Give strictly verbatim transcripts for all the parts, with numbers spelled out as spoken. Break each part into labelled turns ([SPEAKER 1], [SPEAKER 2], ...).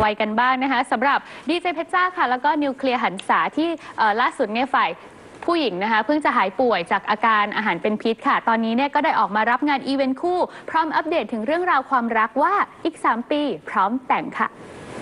[SPEAKER 1] วัยกันบ้างนะคะสำหรับดีเจเพชรจ้าค่ะแล้วก็นิวเคลียร์หันษาที่ล่าสุดเนี่ยฝ่ายผู้หญิงนะคะเพิ่งจะหายป่วยจากอาการอาหารเป็นพิษค่ะตอนนี้เนี่ยก็ได้ออกมารับงานอีเวนต์คู่พร้อมอัปเดตถึงเรื่องราวความรักว่าอีกสามปีพร้อมแต่งค่ะ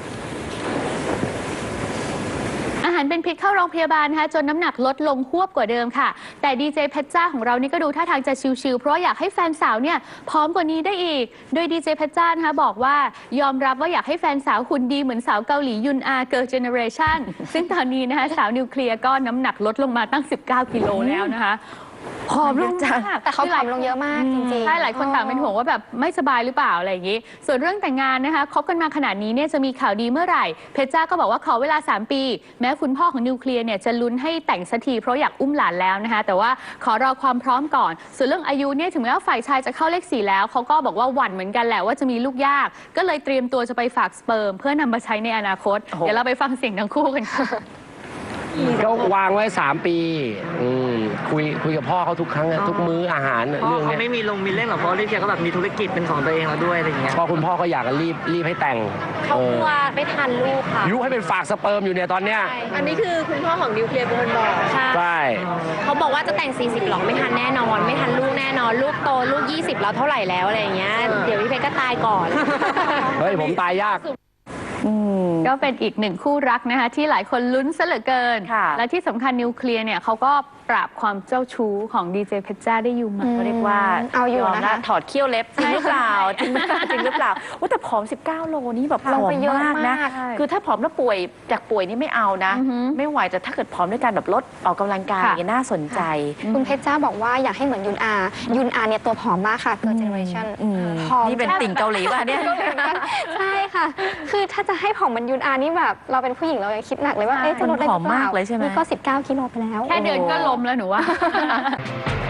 [SPEAKER 1] อาหารเป็นพิษเข้าโรงพยาบาลนะคะจนน้ำหนักลดลงหวบกว่าเดิมค่ะแต่ดีเจเพชรจ้าของเรานี่ก็ดูท่าทางจะชิลๆเพราะอยากให้แฟนสาวเนี่ยพร้อมกว่านี้ได้อีกโดยดีเจเพชรจ้านะคะบอกว่ายอมรับว่าอยากให้แฟนสาวหุ่นดีเหมือนสาวเกาหลียุนอาเกิร์ลเจเนอเรชั่นซึ่งตอนนี้นะคะสาวนิวเคลียร์ก็น้ำหนักลดลงมาตั้งสิบเก้ากิโลแล้วนะคะผอมลงมาก
[SPEAKER 2] แต่เขาผอมลงเยอะมากจริงๆ
[SPEAKER 1] ใช่หลายคนต่างเป็นห่วงว่าแบบไม่สบายหรือเปล่าอะไรอย่างนี้ส่วนเรื่องแต่งงานนะคะคบกันมาขนาดนี้เนี่ยจะมีข่าวดีเมื่อไหร่เพชรจ้าก็บอกว่าขอเวลาสามปีแม้คุณพ่อของนิวเคลียร์เนี่ยจะลุ้นให้แต่งสักทีเพราะอยากอุ้มหลานแล้วนะคะแต่ว่าขอรอความพร้อมก่อนส่วนเรื่องอายุเนี่ยถึงแม้ว่าฝ่ายชายจะเข้าเลขสี่แล้วเขาก็บอกว่าหวั่นเหมือนกันแหละว่าจะมีลูกยากก็เลยเตรียมตัวจะไปฝากสเปิร์มเพื่อนำมาใช้ในอนาคตเดี๋ยวเราไปฟังเสียงทั้งคู่กันค่ะ
[SPEAKER 3] ก็วางไว้สามปีคุยคุยกับพ่อเขาทุกครั้งทุกมื้ออาหารเรื่องนี้
[SPEAKER 4] เขาไม่มีลงมีเล่นหรอกเพราะลิเดียก็แบบมีธุรกิจเป็นของตัวเองแล้วด้วยอะไรอย่างเงี้ย
[SPEAKER 3] พ่อคุณพ่อก็อยากรีบรีบให้แต่ง
[SPEAKER 2] เขากลัวไม่ทันลูกค่ะ
[SPEAKER 3] ยุให้เป็นฝากสเปิร์มอยู่เนี่ยตอนเนี้ย
[SPEAKER 2] อันนี้คือคุณพ่อของนิวเคลียร์เป็นคนบอก
[SPEAKER 3] ใช่
[SPEAKER 2] เขาบอกว่าจะแต่งสี่สิบหรอกไม่ทันแน่นอนไม่ทันลูกแน่นอนลูกโตลูกยี่สิบแล้วเท่าไหร่แล้วอะไรอย่างเงี้ยเดี๋ยวพี่เพชรก็ตายก่อน
[SPEAKER 3] เฮ้ยผมตายยาก
[SPEAKER 1] ก็เป็นอีกหนึ่งคู่รักนะคะที่หลายคนลุ้นซะเหลือเกินและที่สำคัญนิวเคลียร์เนี่ยเขาก็ปราบความเจ้าชู้ของดีเจเพชรจ้าได้อยู่มา
[SPEAKER 2] เรียกว่า
[SPEAKER 5] เอาอยู่นะคะ
[SPEAKER 2] ถอดเขี้ยวเล็บจริงหรือเปล่าจริงจริงหรือเปล่าว่าแต่ผอมสิบเก้าโลนี่แบบผอมมากนะคือถ้าผอมแล้วป่วยจากป่วยนี่ไม่เอานะไม่ไหวแต่ถ้าเกิดผอมด้วยการแบบลดออกกำลังกายอย่างน่าสนใจ
[SPEAKER 5] คุณเพชรจ้าบอกว่าอยากให้เหมือนยุนอายุนอาเนี่ยตัวผอมมากค่ะเกิร์ลเจเนอเรชั่น
[SPEAKER 2] ผอมนี่เป็นติ่งเกาหลีป่ะเนี่ย
[SPEAKER 5] ใช่ค่ะคือถ้าจะให้ผอมเหมือนยุนอานี่แบบเราเป็นผู้หญิงเรายังคิดหนักเลยว่าเอ๊ะจะลดได้หรือเปล่านี่ก็สิบเก้ากิโลไปแล้ว
[SPEAKER 1] แค่เดินก็ล้มแล้วหนูว่า